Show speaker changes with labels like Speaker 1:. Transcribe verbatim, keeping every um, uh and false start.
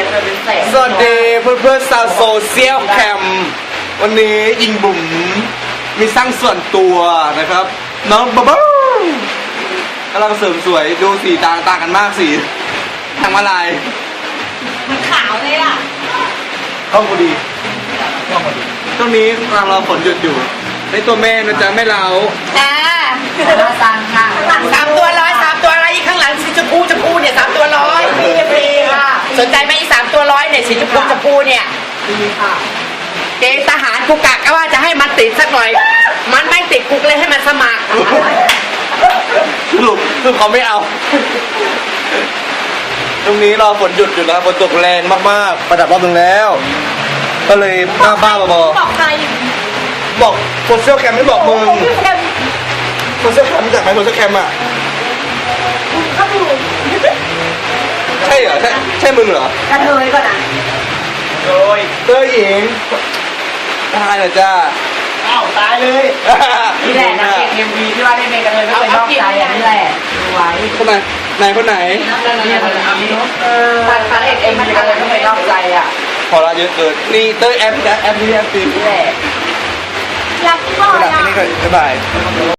Speaker 1: สวัสดีเพื่อนเพื่อนๆชาวโซเชียลแคมวันนี้ยิงบุ๋มมีสร้างส่วนตัวนะครับน้องบ๊อบกำลังเสริมสวยดูสีต่างต่างกันมากสีทางมาลาย
Speaker 2: มันขาวเลยอ่ะ
Speaker 1: เข้าพอดีเข้าพอดีตรงนี้กำลังรอฝนหยุดอยู่ในตัวแม่นะจ๊ะไม่เล้า
Speaker 2: อ่า
Speaker 3: สั่งค่ะสามตัวร้อยสามตัวร้อยอีกข้างหลังสีชมพูชมพูเนี่ยสามตัวร้อยฟรีฟรีค่ะสนใจไหมอีสามตัวร้อยเนี่ยสีชมพูชมพูเนี่ยฟรีค่ะเกณฑ์ทหารกูกะก็ว่าจะให้มันติดสักหน่อย มันไม่ติดกูเลยให้มันสมัคร
Speaker 1: สรุปสรุปเขาไม่เอา ตรงนี้รอฝนหยุดอยู่แล้วฝนตกแรงมากๆประดับรอบหนึ่งแล้ว ก็เลยบ้าบ้าบอ
Speaker 2: บอกใคร
Speaker 1: บอกโซเชียลแคมไม่บอกมึงโซเชียลแคมรู้จักไหมโซเชียลแคมอ่ะ
Speaker 2: ก็ดู
Speaker 1: ใช่เหรอใช่ใช่มึงเหรอก
Speaker 3: ระเทยก่อนนะ
Speaker 1: โดยเตยหญิงได้เหรอจ้า
Speaker 3: อ้าวตายเลยนี่แหละนะเอ็มวีที่ว่าได้เป็นกระเทยไม่เป็นนอกใจอันนี้แหละดูไว้
Speaker 1: คนไหนไหนคนไหน
Speaker 3: เนี่ยคนนี้เออพันพันเอ็ดเอ็มวีกระเทยไม่เป็นนอกใจอ่ะ
Speaker 1: พอละเยอะเกินนี่เตยแอปนะแอปนี้แอปตี
Speaker 3: นี่แหละ
Speaker 2: รักที่บอ
Speaker 1: ข
Speaker 2: ย
Speaker 1: นาด
Speaker 2: อ่ะ
Speaker 1: นี้ก็บ๊ายบาย